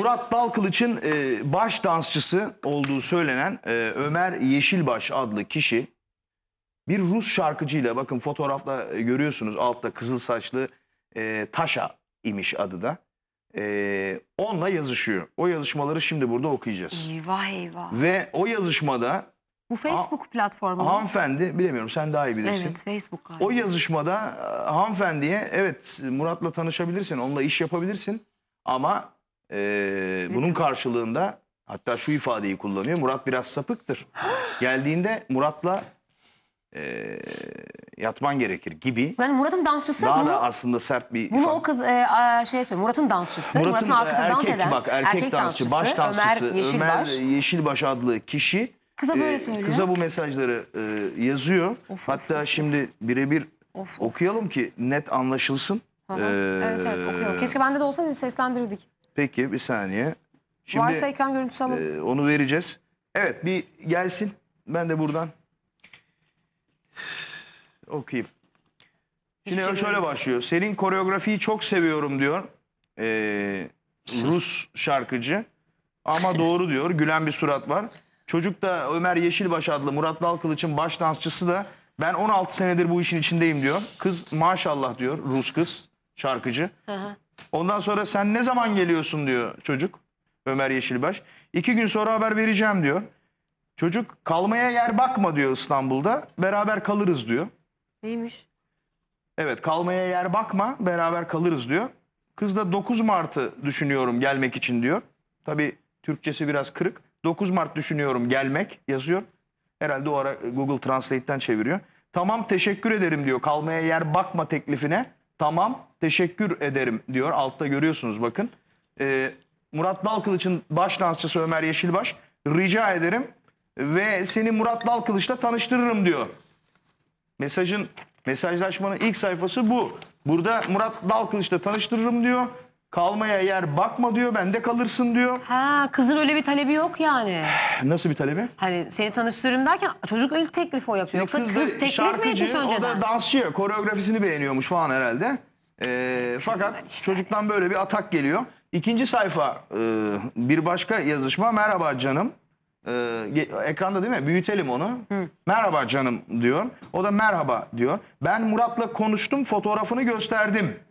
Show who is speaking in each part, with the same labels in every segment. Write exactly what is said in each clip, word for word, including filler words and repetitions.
Speaker 1: Murat Dalkılıç'ın e, baş dansçısı olduğu söylenen e, Ömer Yeşilbaş adlı kişi bir Rus şarkıcıyla, bakın fotoğrafta e, görüyorsunuz altta kızıl saçlı e, Taşa imiş adı da. E, onunla yazışıyor. O yazışmaları şimdi burada okuyacağız.
Speaker 2: Eyvah eyvah.
Speaker 1: Ve o yazışmada
Speaker 2: Bu Facebook platformu mu?
Speaker 1: hanımefendi, bilemiyorum sen daha iyi bilirsin.
Speaker 2: Evet, Facebook galiba.
Speaker 1: O yazışmada e, hanımefendiye evet Murat'la tanışabilirsin, onunla iş yapabilirsin ama e, bunun karşılığında, hatta şu ifadeyi kullanıyor, Murat biraz sapıktır. Geldiğinde Murat'la e, yatman gerekir gibi.
Speaker 2: Yani Murat'ın dansçısı
Speaker 1: Daha
Speaker 2: bunu,
Speaker 1: da aslında sert bir
Speaker 2: bunu
Speaker 1: ifade.
Speaker 2: o kız e, a, şey söylüyor. Murat'ın dansçısı.
Speaker 1: Murat'ın
Speaker 2: Murat'ın arkasında
Speaker 1: erkek,
Speaker 2: dans eden
Speaker 1: bak, erkek,
Speaker 2: erkek
Speaker 1: dansçı,
Speaker 2: dansçısı,
Speaker 1: baş dansçısı
Speaker 2: Ömer Yeşilbaş.
Speaker 1: Ömer Yeşilbaş adlı kişi
Speaker 2: Kıza böyle
Speaker 1: e,
Speaker 2: söylüyor.
Speaker 1: kıza bu mesajları e, yazıyor.
Speaker 2: Of,
Speaker 1: Hatta
Speaker 2: of, of,
Speaker 1: şimdi birebir
Speaker 2: Of, of.
Speaker 1: okuyalım ki net anlaşılsın.
Speaker 2: Hı hı.
Speaker 1: Ee,
Speaker 2: Evet evet okuyalım. Keşke bende de olsaydı seslendirirdik.
Speaker 1: Peki bir saniye. Şimdi
Speaker 2: Varsa ekran görüntüsü alın.
Speaker 1: e, onu vereceğiz. Evet, bir gelsin. Ben de buradan okuyayım. Şimdi
Speaker 2: Hiçbir şey
Speaker 1: şöyle başlıyor. Senin koreografiyi çok seviyorum diyor. Ee, Rus şarkıcı. Ama doğru diyor. Gülen bir surat var. Çocuk da Ömer Yeşilbaş adlı Murat Dalkılıç'ın baş dansçısı da ben on altı senedir bu işin içindeyim diyor. Kız maşallah diyor, Rus kız şarkıcı.
Speaker 2: Hı hı.
Speaker 1: Ondan sonra sen ne zaman geliyorsun diyor çocuk, Ömer Yeşilbaş. İki gün sonra haber vereceğim diyor. Çocuk kalmaya yer bakma diyor İstanbul'da, beraber kalırız diyor.
Speaker 2: Neymiş?
Speaker 1: Evet, kalmaya yer bakma, beraber kalırız diyor. Kız da dokuz Mart'ı düşünüyorum gelmek için diyor. Tabii Türkçesi biraz kırık. dokuz Mart düşünüyorum gelmek yazıyor. Herhalde o ara Google Translate'ten çeviriyor. Tamam teşekkür ederim diyor, kalmaya yer bakma teklifine. Tamam teşekkür ederim diyor. Altta görüyorsunuz bakın. Ee, Murat Dalkılıç'ın baş dansçısı Ömer Yeşilbaş, rica ederim ve seni Murat Dalkılıç'la tanıştırırım diyor. Mesajın, mesajlaşmanın ilk sayfası bu. Burada Murat Dalkılıç'la tanıştırırım diyor. Kalmaya yer bakma diyor, bende kalırsın diyor.
Speaker 2: Ha, kızın öyle bir talebi yok yani.
Speaker 1: Nasıl bir talebi?
Speaker 2: Hani seni tanıştırırım derken çocuk ilk teklifi o yapıyor. Yoksa kız,
Speaker 1: da
Speaker 2: teklif mi
Speaker 1: şarkıcı,
Speaker 2: etmiş
Speaker 1: o
Speaker 2: önceden?
Speaker 1: da dansçı, koreografisini beğeniyormuş falan herhalde. Ee, fakat çocuktan böyle bir atak geliyor. İkinci sayfa, e, bir başka yazışma. Merhaba canım. Ee, ekranda değil mi? Büyütelim onu. Hı. Merhaba canım diyor. O da merhaba diyor. Ben Murat'la konuştum, fotoğrafını gösterdim.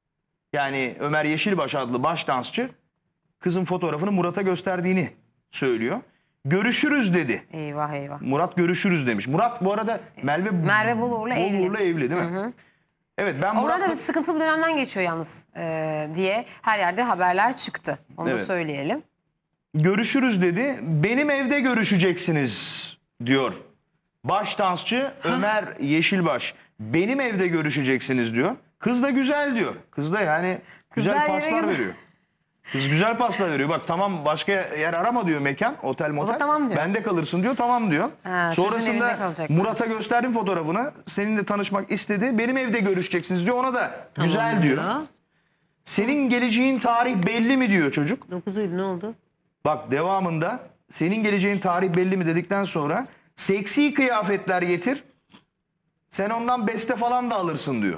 Speaker 1: Yani Ömer Yeşilbaş adlı baş dansçı kızın fotoğrafını Murat'a gösterdiğini söylüyor. Görüşürüz dedi.
Speaker 2: Eyvah eyvah.
Speaker 1: Murat görüşürüz demiş. Murat bu arada Merve,
Speaker 2: Merve Boluğur'la evli.
Speaker 1: Boluğur'la evli değil mi?
Speaker 2: Hı hı.
Speaker 1: Evet, ben
Speaker 2: Onlar da
Speaker 1: Murat'la...
Speaker 2: bir sıkıntılı bir dönemden geçiyor yalnız e, diye her yerde haberler çıktı. Onu
Speaker 1: Evet.
Speaker 2: da söyleyelim.
Speaker 1: Görüşürüz dedi. Benim evde görüşeceksiniz diyor. Baş dansçı Ömer Yeşilbaş. Benim evde görüşeceksiniz diyor. Kız da güzel diyor. Kız da yani güzel
Speaker 2: Kızlar
Speaker 1: paslar
Speaker 2: güzel.
Speaker 1: veriyor. Kız güzel paslar veriyor. Bak tamam, başka yer arama diyor, mekan, otel motel.
Speaker 2: tamam diyor.
Speaker 1: Bende kalırsın diyor, tamam diyor.
Speaker 2: Ha, çocuğun evinde
Speaker 1: Sonrasında
Speaker 2: kalacak.
Speaker 1: Murat'a gösterdim fotoğrafını. Seninle tanışmak istedi. Benim evde görüşeceksiniz diyor. Ona da
Speaker 2: Tamam
Speaker 1: güzel diyor.
Speaker 2: diyor.
Speaker 1: Senin geleceğin tarih belli mi diyor çocuk.
Speaker 2: dokuz Eylül ne oldu?
Speaker 1: Bak devamında senin geleceğin tarih belli mi dedikten sonra seksi kıyafetler getir. Sen ondan beste falan da alırsın diyor.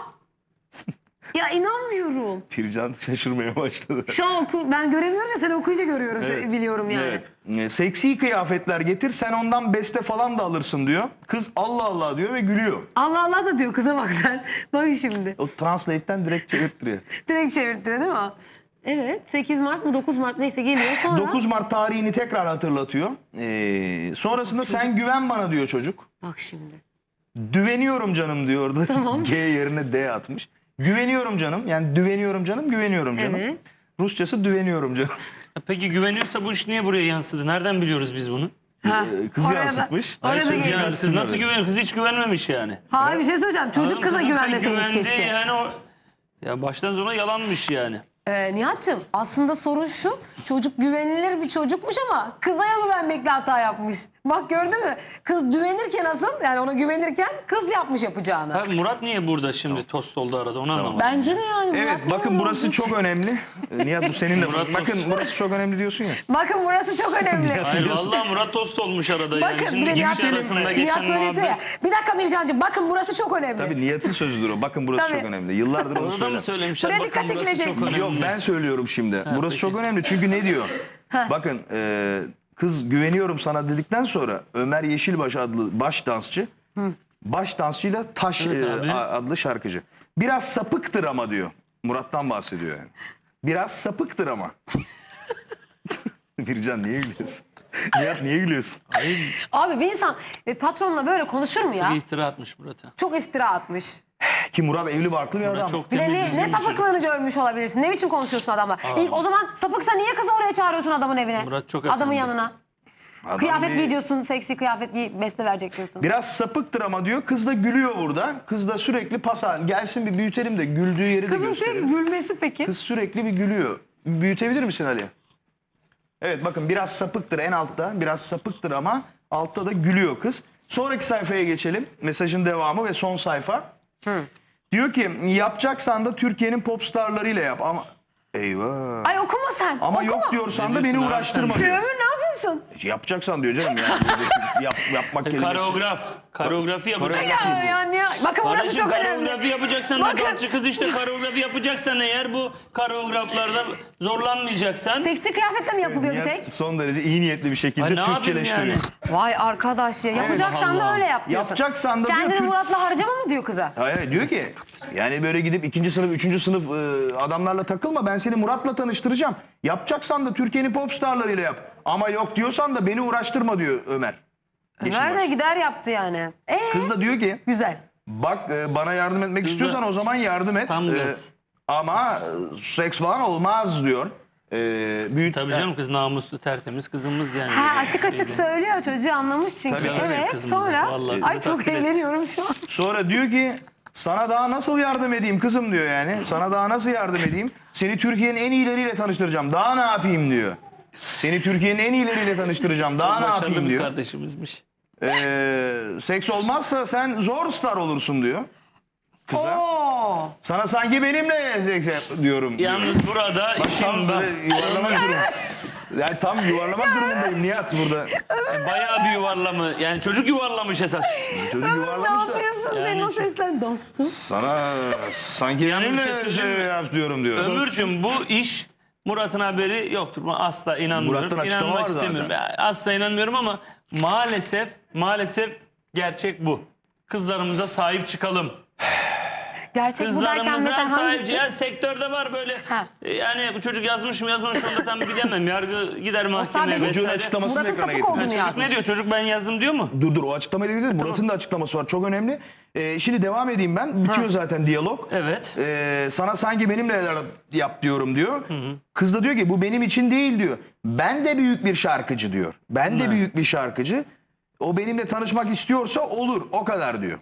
Speaker 2: Ya inanmıyorum.
Speaker 1: Pircan şaşırmaya başladı.
Speaker 2: Şu an oku, ben göremiyorum ya sen okuyunca görüyorum,
Speaker 1: Evet.
Speaker 2: biliyorum yani.
Speaker 1: Evet. E, Seksi kıyafetler getir, sen ondan beste falan da alırsın diyor. Kız Allah Allah diyor ve gülüyor.
Speaker 2: Allah Allah da diyor kıza, bak sen. Bak şimdi.
Speaker 1: O translate'ten direkt çevirttiriyor.
Speaker 2: Direkt çevirttiriyor değil mi? Evet. sekiz Mart mı dokuz Mart neyse geliyor sonra.
Speaker 1: dokuz Mart tarihini tekrar hatırlatıyor. Ee, sonrasında sen güven bana diyor çocuk.
Speaker 2: Bak şimdi.
Speaker 1: Düveniyorum canım diyordu.
Speaker 2: Tamam.
Speaker 1: G yerine D atmış. Güveniyorum canım. Yani düveniyorum canım, güveniyorum canım.
Speaker 2: Evet.
Speaker 1: Rusçası düveniyorum canım.
Speaker 3: Peki güveniyorsa bu iş niye buraya yansıdı? Nereden biliyoruz biz bunu?
Speaker 2: Ha,
Speaker 1: Ee, Kız
Speaker 2: oraya da-
Speaker 1: yansıtmış.
Speaker 2: oraya da
Speaker 3: Siz,
Speaker 2: geliyor.
Speaker 3: yani siz nasıl güveniyor? Kız hiç güvenmemiş yani.
Speaker 2: Hayır, bir şey söyleyeceğim. Çocuk
Speaker 3: Adam
Speaker 2: kıza
Speaker 3: kızın
Speaker 2: güvenmeseymiş
Speaker 3: güvendiği
Speaker 2: keşke.
Speaker 3: Yani o, ya baştan sona yalanmış yani.
Speaker 2: Ee, Nihat'cığım aslında sorun şu. Çocuk güvenilir bir çocukmuş ama kıza güvenmekle hata yapmış. Bak gördün mü? Kız güvenirken asıl yani ona güvenirken kız yapmış yapacağını.
Speaker 3: Ha, Murat niye burada şimdi tost oldu arada onu anlamadım.
Speaker 2: Bence de yani. Murat
Speaker 1: Evet
Speaker 2: niye
Speaker 1: bakın
Speaker 2: böyle
Speaker 1: burası
Speaker 2: oldu?
Speaker 1: çok önemli. Ee, Nihat bu senin
Speaker 3: Murat
Speaker 1: lafın. Bakın
Speaker 3: Tost.
Speaker 1: burası çok önemli diyorsun ya.
Speaker 2: Bakın burası çok önemli.
Speaker 3: Hayır vallahi Murat tost olmuş arada yani.
Speaker 2: Bakın
Speaker 3: Şimdi
Speaker 2: bir de
Speaker 3: iki
Speaker 2: Nihat,
Speaker 3: kişi arasında
Speaker 2: Nihat
Speaker 3: geçen
Speaker 2: böyle yapıyor ya.
Speaker 3: muhabbet.
Speaker 2: Bir dakika Mircan'cığım bakın burası çok önemli.
Speaker 1: Tabii Nihat'ın sözüdür o. Bakın burası
Speaker 2: Tabii.
Speaker 1: çok önemli. Yıllardır onu
Speaker 3: Onu da mı
Speaker 1: söyler.
Speaker 3: söylemişler?
Speaker 2: Buraya
Speaker 3: Bakın
Speaker 2: dikkat
Speaker 3: burası
Speaker 2: çekilecek.
Speaker 3: çok önemli.
Speaker 1: Yok ben söylüyorum şimdi. burası
Speaker 3: peki.
Speaker 1: çok önemli çünkü ne diyor? Bakın e, kız güveniyorum sana dedikten sonra Ömer Yeşilbaş adlı baş dansçı baş dansçıyla Taş
Speaker 3: Evet
Speaker 1: e,
Speaker 3: abi.
Speaker 1: a- adlı şarkıcı. Biraz sapıktır ama diyor. Murat'tan bahsediyor yani. Biraz sapıktır ama. Bircan niye gülüyorsun? Nihat niye gülüyorsun?
Speaker 2: Abi bir insan e, patronla böyle konuşur mu ya?
Speaker 3: Bir iftira atmış Murat'a.
Speaker 2: Çok iftira atmış.
Speaker 1: Ki Murat evli barklı bir
Speaker 3: Murat
Speaker 1: adam.
Speaker 3: çok
Speaker 2: Bir de
Speaker 3: temiz
Speaker 2: ne,
Speaker 3: düzgün
Speaker 2: ne
Speaker 3: bir çocuk.
Speaker 2: sapıklığını görmüş olabilirsin. Ne biçim konuşuyorsun adamla? İlk o zaman sapıksa niye kızı oraya çağırıyorsun adamın evine?
Speaker 3: Murat çok
Speaker 2: Adamın
Speaker 3: efendi.
Speaker 2: yanına.
Speaker 1: Adam
Speaker 2: Kıyafet
Speaker 1: bir-
Speaker 2: giy diyorsun, seksi kıyafet giy, beste verecek diyorsun.
Speaker 1: Biraz sapıktır ama diyor. Kız da gülüyor burada. Kız da sürekli pas al- gelsin bir büyütelim de güldüğü yeri de
Speaker 2: Kızın sürekli
Speaker 1: gösterelim.
Speaker 2: gülmesi peki.
Speaker 1: Kız sürekli bir gülüyor. Büyütebilir misin Ali? Evet bakın biraz sapıktır en altta. Biraz sapıktır ama altta da gülüyor kız. Sonraki sayfaya geçelim. Mesajın devamı ve son sayfa. Diyor ki yapacaksan da Türkiye'nin pop starlarıyla yap ama eyvah.
Speaker 2: Ay okuma sen.
Speaker 1: Ama
Speaker 2: okuma.
Speaker 1: yok diyorsan
Speaker 3: Ne
Speaker 1: da beni
Speaker 3: diyorsun abi
Speaker 1: uğraştırma
Speaker 3: sen?
Speaker 2: Şey
Speaker 1: diyor.
Speaker 2: Ömür ne yapıyorsun?
Speaker 1: Yapacaksan diyor canım yani. Buradaki yap, yapmak kelimesi.
Speaker 3: Koreograf. Koreografi yapacaksın.
Speaker 2: Ya yani ya. Bakın burası
Speaker 3: Kardeşim
Speaker 2: çok
Speaker 3: koreografi
Speaker 2: önemli.
Speaker 3: yapacaksan
Speaker 2: Bakın.
Speaker 3: da dansçı kız işte koreografi yapacaksan eğer bu koreograflarda zorlanmayacaksan.
Speaker 2: Seksi kıyafetle mi yapılıyor bir
Speaker 1: Nihat
Speaker 2: tek?
Speaker 1: son derece iyi niyetli bir şekilde
Speaker 3: Ay, ne yapayım
Speaker 1: Türkçeleştiriyor.
Speaker 3: yani?
Speaker 2: Vay arkadaş ya. Yapacaksan da
Speaker 3: Allah.
Speaker 2: öyle yap diyorsun.
Speaker 1: Yapacaksan da diyor
Speaker 2: Kendini
Speaker 1: Türk-
Speaker 2: Murat'la harcama mı diyor kıza?
Speaker 1: Hayır diyor ki yani böyle gidip ikinci sınıf, üçüncü sınıf e, adamlarla takılma. Ben seni Murat'la tanıştıracağım. Yapacaksan da Türkiye'nin pop starlarıyla yap. Ama yok diyorsan da beni uğraştırma diyor Ömer.
Speaker 2: Ömer de
Speaker 1: Yeşilbaş.
Speaker 2: gider yaptı yani. Ee,
Speaker 1: Kız da diyor ki
Speaker 2: güzel.
Speaker 1: bak e, bana yardım etmek
Speaker 3: Kız da-
Speaker 1: istiyorsan o zaman yardım et.
Speaker 3: Tam
Speaker 1: E,
Speaker 3: gaz.
Speaker 1: ama e, seks falan olmaz diyor. E, büyüt,
Speaker 3: Tabii canım kız namuslu tertemiz kızımız yani.
Speaker 2: Ha açık açık söylüyor çocuğu anlamış çünkü.
Speaker 1: Tabii, tabii,
Speaker 2: evet
Speaker 3: kızımıza.
Speaker 2: sonra
Speaker 3: Vallahi
Speaker 2: ay
Speaker 3: bizi
Speaker 2: çok
Speaker 3: takdir et.
Speaker 2: eğleniyorum şu an.
Speaker 1: Sonra diyor ki sana daha nasıl yardım edeyim kızım diyor yani. Sana daha nasıl yardım edeyim? Seni Türkiye'nin en iyileriyle tanıştıracağım. Daha ne yapayım diyor. Seni Türkiye'nin en iyileriyle tanıştıracağım. Daha
Speaker 3: Çok
Speaker 1: ne
Speaker 3: başarılı
Speaker 1: yapayım
Speaker 3: bir
Speaker 1: diyor.
Speaker 3: kardeşimizmiş.
Speaker 1: Ee, seks olmazsa sen zor star olursun diyor. Kıza.
Speaker 2: Oo.
Speaker 1: Sana sanki benimle seks yap diyorum. diyor.
Speaker 3: Yalnız burada
Speaker 1: Bak tam
Speaker 3: işim bak.
Speaker 1: böyle yuvarlamak durumu. Yani tam yuvarlamak durumundayım Nihat burada.
Speaker 3: Bayağı bir yuvarlama. Yani çocuk yuvarlamış esas.
Speaker 1: Çocuk
Speaker 2: Ne
Speaker 1: yuvarlamış da.
Speaker 2: yapıyorsun
Speaker 3: Yani
Speaker 2: sen o
Speaker 3: şu-
Speaker 2: seslen dostum?
Speaker 1: Sana sanki
Speaker 3: Yalnız bir şey
Speaker 1: benimle
Speaker 3: söyleyeyim
Speaker 1: şey
Speaker 3: mi?
Speaker 1: yap diyorum diyor.
Speaker 3: Ömürcüm bu iş Murat'ın haberi yoktur. Ben asla inanmıyorum.
Speaker 1: Murat'tan açıklama
Speaker 3: İnanmak
Speaker 1: var zaten.
Speaker 3: istemiyorum. Ya, asla inanmıyorum ama maalesef maalesef gerçek bu. Kızlarımıza sahip çıkalım.
Speaker 2: Gerçek bu derken
Speaker 3: Kızlarımıza
Speaker 2: mesela
Speaker 3: sahip
Speaker 2: hangisi?
Speaker 3: ya sektörde var böyle.
Speaker 2: Ha.
Speaker 3: E, Yani bu çocuk yazmış mı yazmamış mı onu da tam bilemem. Yargı gider mahkemeye
Speaker 2: sadece-
Speaker 1: Çocuğun
Speaker 3: vesaire.
Speaker 1: açıklamasını
Speaker 2: Murat'ın
Speaker 1: ekrana
Speaker 2: sapık
Speaker 1: getir.
Speaker 2: olduğunu
Speaker 3: Çocuk
Speaker 2: yazmış.
Speaker 3: ne diyor? Çocuk ben yazdım diyor mu?
Speaker 1: Dur dur o açıklamayı da geçelim. Murat'ın da açıklaması var. Çok önemli. Ee, şimdi devam edeyim ben. Bitiyor
Speaker 2: Ha.
Speaker 1: zaten diyalog.
Speaker 3: Evet.
Speaker 1: Ee, sana sanki benimle yap diyorum diyor. Kız da diyor ki bu benim için değil diyor. Ben de büyük bir şarkıcı diyor. Ben de
Speaker 3: Ha.
Speaker 1: büyük bir şarkıcı. O benimle tanışmak istiyorsa olur. O kadar diyor.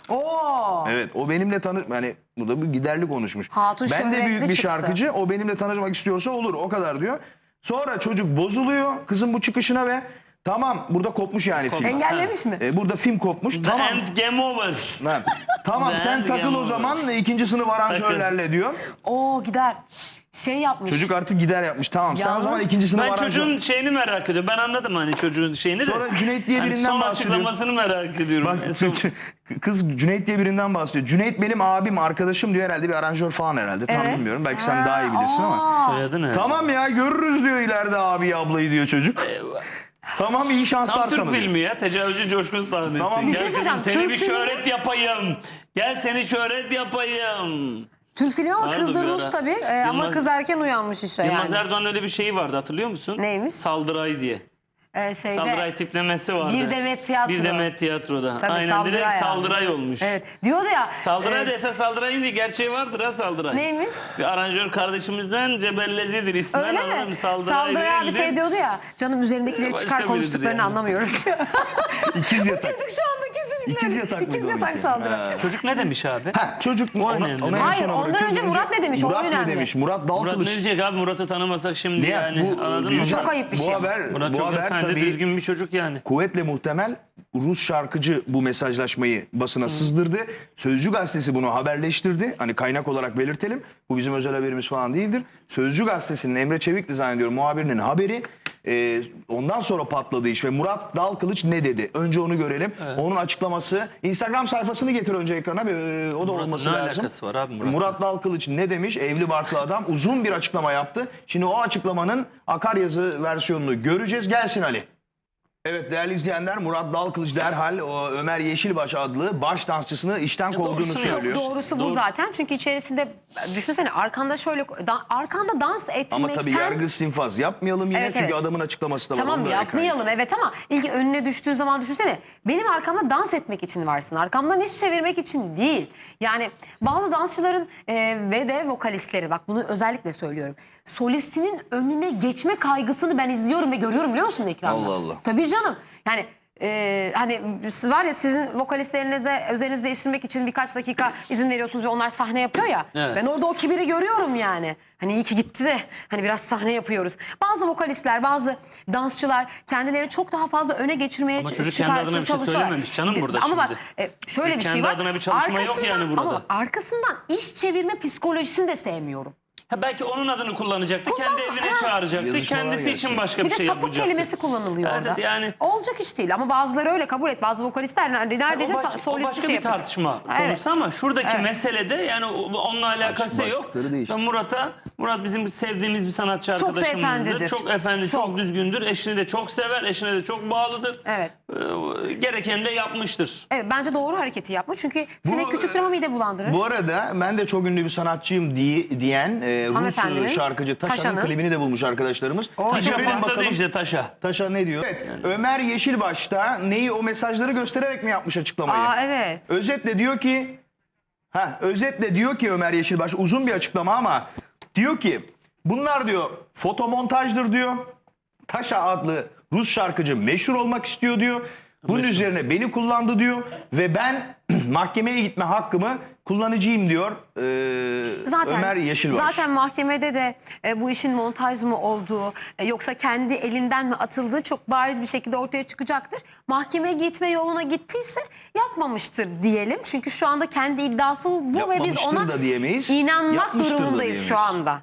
Speaker 2: Oo.
Speaker 1: Evet o benimle tanış... Yani bu da bir giderli konuşmuş.
Speaker 2: Hatun
Speaker 1: ben de
Speaker 2: şöhretli
Speaker 1: büyük bir
Speaker 2: çıktı.
Speaker 1: şarkıcı. O benimle tanışmak istiyorsa olur. O kadar diyor. Sonra çocuk bozuluyor kızın bu çıkışına ve tamam burada kopmuş yani film.
Speaker 2: Engellemiş mi?
Speaker 1: E, burada film kopmuş.
Speaker 3: The
Speaker 1: Tamam.
Speaker 3: end game over.
Speaker 1: Lan, tamam
Speaker 3: Ben
Speaker 1: sen takıl
Speaker 3: game
Speaker 1: o
Speaker 3: over.
Speaker 1: zaman ikinci sınıf aranjörlerle diyor.
Speaker 2: Oo gider. Şey yapmış.
Speaker 1: Çocuk artık gider yapmış. Tamam sen o
Speaker 2: Yalnız
Speaker 1: zaman ikinci sınıf
Speaker 3: Ben
Speaker 1: aranjör.
Speaker 3: çocuğun şeyini merak ediyorum. Ben anladım hani çocuğun şeyini de.
Speaker 1: Sonra Cüneyt diye
Speaker 3: Hani
Speaker 1: birinden
Speaker 3: son
Speaker 1: bahsediyor.
Speaker 3: açıklamasını merak ediyorum.
Speaker 1: Bak
Speaker 3: En son-
Speaker 1: kız Cüneyt diye birinden bahsediyor. Cüneyt benim abim, arkadaşım diyor herhalde bir aranjör falan herhalde. Tam
Speaker 2: Evet.
Speaker 1: bilmiyorum. Belki sen
Speaker 2: Ha,
Speaker 1: daha iyi bilirsin ama.
Speaker 2: aa.
Speaker 3: Soyadı ne?
Speaker 1: Tamam ya görürüz diyor ileride abi ablayı diyor çocuk. Tamam iyi şanslar
Speaker 3: Tam Türk
Speaker 1: sana diyor.
Speaker 3: filmi ya. Tecavüzcü coşkun sahnesi.
Speaker 1: Tamam. Bir
Speaker 3: Gel
Speaker 2: şey
Speaker 3: kızım
Speaker 2: söyleyeceğim.
Speaker 3: seni
Speaker 2: Türk
Speaker 3: bir
Speaker 2: filmi-
Speaker 3: şöhret yapayım. Gel seni şöhret yapayım.
Speaker 2: Türk filmi ama
Speaker 3: Vardı
Speaker 2: kız da
Speaker 3: bir
Speaker 2: Rus
Speaker 3: ara.
Speaker 2: tabii. Ee, ama
Speaker 3: Yılmaz-
Speaker 2: kız erken uyanmış işte
Speaker 3: Yılmaz
Speaker 2: yani.
Speaker 3: Erdoğan öyle bir şeyi vardı hatırlıyor musun?
Speaker 2: Neymiş?
Speaker 3: Saldıray diye.
Speaker 2: Ee, şeyde,
Speaker 3: Saldıray tiplemesi vardı.
Speaker 2: Bir Demet Tiyatro.
Speaker 3: Bir Demet Tiyatro'da.
Speaker 2: Tabii,
Speaker 3: Aynen
Speaker 2: Saldıray
Speaker 3: direkt
Speaker 2: yani.
Speaker 3: Saldıray olmuş.
Speaker 2: Evet. Diyordu ya.
Speaker 3: Saldıray
Speaker 2: e,
Speaker 3: da esas Saldıray'ın değil gerçeği vardır ha Saldıray.
Speaker 2: Neymiş?
Speaker 3: Bir aranjör kardeşimizden Cebellezi'dir ismen.
Speaker 2: Öyle
Speaker 3: anladın
Speaker 2: mi?
Speaker 3: mı? Saldıray,
Speaker 2: Saldıray abi
Speaker 3: değildir.
Speaker 2: şey diyordu ya. Canım üzerindekileri
Speaker 3: Başka
Speaker 2: çıkar
Speaker 3: biridir
Speaker 2: konuştuklarını
Speaker 3: yani.
Speaker 2: anlamıyorum.
Speaker 1: İkiz yatak.
Speaker 2: Çocuk şu anda kesin
Speaker 1: İkiz yatak mıydı
Speaker 2: İkiz
Speaker 1: onunki?
Speaker 2: yatak saldırı.
Speaker 1: Ha.
Speaker 3: Çocuk ne demiş abi?
Speaker 1: Ha, çocuk mu?
Speaker 3: O
Speaker 1: Ona,
Speaker 3: önemli.
Speaker 1: ona en
Speaker 2: Hayır,
Speaker 1: sona
Speaker 2: ondan
Speaker 1: bırakıyoruz.
Speaker 2: önce Murat ne demiş? O
Speaker 1: Murat ne
Speaker 2: önemli.
Speaker 1: demiş? Murat
Speaker 3: Murat ne
Speaker 1: Dalkılıç.
Speaker 3: diyecek abi? Murat'ı tanımasak şimdi
Speaker 1: Ne?
Speaker 3: yani.
Speaker 1: Bu,
Speaker 3: Anladın mı?
Speaker 1: Bircan,
Speaker 2: Çok ayıp bir şey.
Speaker 1: Bu haber,
Speaker 3: Murat
Speaker 1: bu
Speaker 3: çok
Speaker 1: haber
Speaker 3: efendi,
Speaker 1: tabii
Speaker 3: düzgün bir çocuk yani.
Speaker 1: kuvvetle muhtemel Rus şarkıcı bu mesajlaşmayı basına sızdırdı. Sözcü gazetesi bunu haberleştirdi. Hani kaynak olarak belirtelim. Bu bizim özel haberimiz falan değildir. Sözcü gazetesinin Emre Çevik'ti zannediyorum muhabirinin haberi. Ee, ondan sonra patladı iş ve Murat Dalkılıç ne dedi? Önce onu görelim. Onun açıklaması. Instagram sayfasını getir önce ekrana. Bir, e, o da
Speaker 3: Murat'ın
Speaker 1: olması
Speaker 3: ne
Speaker 1: lazım.
Speaker 3: alakası var abi Murat'la?
Speaker 1: Murat Dalkılıç ne demiş? Evli barklı adam uzun bir açıklama yaptı. Şimdi o açıklamanın akaryazı versiyonunu göreceğiz. Gelsin Ali. Evet değerli izleyenler, Murat Dalkılıç derhal o Ömer Yeşilbaş adlı baş dansçısını işten kovduğunu
Speaker 3: doğrusunu
Speaker 2: Çok
Speaker 1: söylüyor.
Speaker 2: doğrusu bu
Speaker 3: Doğru.
Speaker 2: zaten. Çünkü içerisinde düşünsene arkanda şöyle da- arkanda dans etmekten...
Speaker 1: Ama tabii yargı sinfaz yapmayalım yine
Speaker 2: Evet,
Speaker 1: çünkü
Speaker 2: evet.
Speaker 1: adamın açıklaması da var.
Speaker 2: Tamam
Speaker 1: onu da ekrana
Speaker 2: yapmayalım evet ama ilk önüne düştüğü zaman düşünsene. Benim arkamda dans etmek için varsın. Arkamdan iş çevirmek için değil. Yani bazı dansçıların e, ve de vokalistleri bak bunu özellikle söylüyorum. Solistinin önüne geçme kaygısını ben izliyorum ve görüyorum biliyor musun ekranda?
Speaker 1: Allah Allah.
Speaker 2: Tabii canım. Yani e, hani var ya sizin vokalistlerinize üzerinizi değiştirmek için birkaç dakika izin veriyorsunuz ve onlar sahne yapıyor ya.
Speaker 3: Evet.
Speaker 2: Ben orada o kibiri görüyorum yani. Hani iyi ki gitti de hani biraz sahne yapıyoruz. Bazı vokalistler, bazı dansçılar kendilerini çok daha fazla öne geçirmeye
Speaker 3: Ama
Speaker 2: ç-
Speaker 3: çocuk
Speaker 2: çıkar-
Speaker 3: kendi adına bir şey
Speaker 2: çalışıyorlar.
Speaker 3: söylememiş canım burada
Speaker 2: Ama bak
Speaker 3: şimdi.
Speaker 2: e, şöyle
Speaker 3: Çocuk
Speaker 2: bir şey
Speaker 3: kendi
Speaker 2: var.
Speaker 3: adına bir çalışma yok yani
Speaker 2: Arkasından-
Speaker 3: burada.
Speaker 2: Ama arkasından iş çevirme psikolojisini de sevmiyorum.
Speaker 3: Ha belki onun adını kullanacaktı.
Speaker 2: Kullan-
Speaker 3: Kendi evine
Speaker 2: Ha.
Speaker 3: çağıracaktı.
Speaker 1: Yazışmalar
Speaker 3: Kendisi
Speaker 1: gelsin.
Speaker 3: için başka
Speaker 2: Bir
Speaker 3: bir,
Speaker 2: de
Speaker 3: şey
Speaker 2: sapık
Speaker 3: yapacaktı.
Speaker 2: kelimesi kullanılıyor
Speaker 3: Evet,
Speaker 2: orada.
Speaker 3: yani-
Speaker 2: Olacak iş değil ama bazıları öyle kabul et. Bazı vokalistler neredeyse
Speaker 3: o, baş-
Speaker 2: sa-
Speaker 3: o
Speaker 2: solisti
Speaker 3: başka
Speaker 2: şey
Speaker 3: bir
Speaker 2: yapıyor.
Speaker 3: tartışma
Speaker 2: Evet.
Speaker 3: konusu ama şuradaki
Speaker 2: Evet.
Speaker 3: meselede yani o- onunla alakası yok.
Speaker 1: başlıkları değişti.
Speaker 3: Ben Murat'a, Murat bizim sevdiğimiz bir sanatçı
Speaker 2: Çok da
Speaker 3: arkadaşımızdır.
Speaker 2: efendidir.
Speaker 3: Çok efendi, çok.
Speaker 2: Çok.
Speaker 3: düzgündür. Eşini de çok sever, eşine de çok bağlıdır.
Speaker 2: Evet.
Speaker 3: Ee, gereken de yapmıştır.
Speaker 2: Evet bence doğru hareketi yapma. Çünkü sinek
Speaker 1: Bu-
Speaker 2: küçüktür ama mide bulandırır.
Speaker 1: Bu arada ben de çok ünlü bir sanatçıyım diye, diyen e,
Speaker 2: Hanımefendinin,
Speaker 1: Rus şarkıcı Taşan'ın
Speaker 2: Taşan'ın.
Speaker 1: klibini de bulmuş arkadaşlarımız.
Speaker 2: O
Speaker 1: Bir
Speaker 3: Taşa
Speaker 2: çok
Speaker 1: görelim
Speaker 3: patladı işte taşa.
Speaker 1: Taşa ne diyor? Evet, Ömer Yeşilbaş'ta neyi o mesajları göstererek mi yapmış açıklamayı?
Speaker 2: Aa evet.
Speaker 1: Özetle diyor ki ha özetle diyor ki Ömer Yeşilbaş uzun bir açıklama ama diyor ki bunlar diyor fotomontajdır diyor. Taşa adlı Rus şarkıcı meşhur olmak istiyor diyor. Bunun
Speaker 3: Meşhur.
Speaker 1: üzerine beni kullandı diyor ve ben mahkemeye gitme hakkımı kullanıcıyım diyor ee,
Speaker 2: Zaten,
Speaker 1: Ömer Yeşilbaş.
Speaker 2: zaten mahkemede de e, bu işin montaj mı olduğu e, yoksa kendi elinden mi atıldığı çok bariz bir şekilde ortaya çıkacaktır. Mahkemeye gitme yoluna gittiyse yapmamıştır diyelim. Çünkü şu anda kendi iddiası bu ve biz
Speaker 1: Yapmamıştır
Speaker 2: ona
Speaker 1: da diyemeyiz,
Speaker 2: inanmak
Speaker 1: yapmıştır da
Speaker 2: durumundayız şu
Speaker 1: diyemeyiz.
Speaker 2: anda.